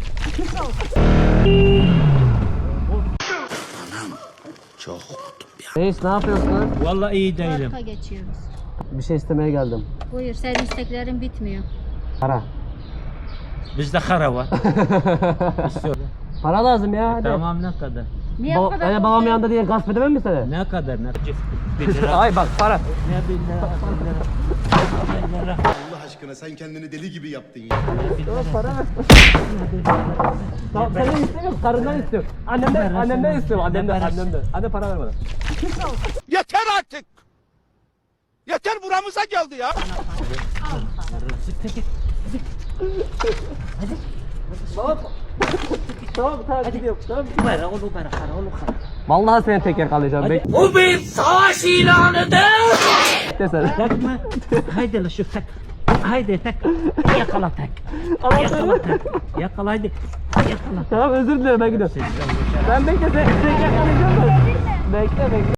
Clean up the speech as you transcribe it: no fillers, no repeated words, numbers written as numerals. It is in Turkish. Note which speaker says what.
Speaker 1: Çok korktum ya.
Speaker 2: Reis ne yapıyorsun?
Speaker 3: Vallahi iyi değilim.
Speaker 4: Parka geçiyoruz.
Speaker 2: Bir şey istemeye geldim.
Speaker 4: Buyur, senin isteklerin bitmiyor.
Speaker 2: Para.
Speaker 3: Bizde kara var. İstiyorum.
Speaker 2: Para lazım ya. Hadi.
Speaker 3: Tamam ne kadar?
Speaker 4: Niye bu kadar
Speaker 2: babam
Speaker 4: korkuyorsun?
Speaker 2: yanında diye gasp edemem mi seni?
Speaker 3: Ne kadar? Ne? 1 lira.
Speaker 2: Ay bak para.
Speaker 3: Ne 1 lira? 1 lira.
Speaker 1: Allah aşkına sen kendini deli gibi yaptın ya.
Speaker 2: Para ver. Tamam senden istemiyorum, karından istiyorum. Annemden istiyorum, annemden. Anne para ver bana.
Speaker 5: Yeter artık. Yeter buramıza geldi ya.
Speaker 2: Baba. Tamam gidiyorum. Tamam.
Speaker 3: Ver oğlum ver kara oğlum kara.
Speaker 2: Vallahi seni tek yakalayacağım.
Speaker 3: Bu bir savaş ilanıdır.
Speaker 2: Bekle sen.
Speaker 3: Takma. Haydi la şu tak. Haydi tak. Yakala tak.
Speaker 2: Ama
Speaker 3: Yakala tak. Yakala haydi. Yakala.
Speaker 2: Tamam özür dilerim ben gidiyorum. Ben bekle seni tek yakalayacağım. Bekle.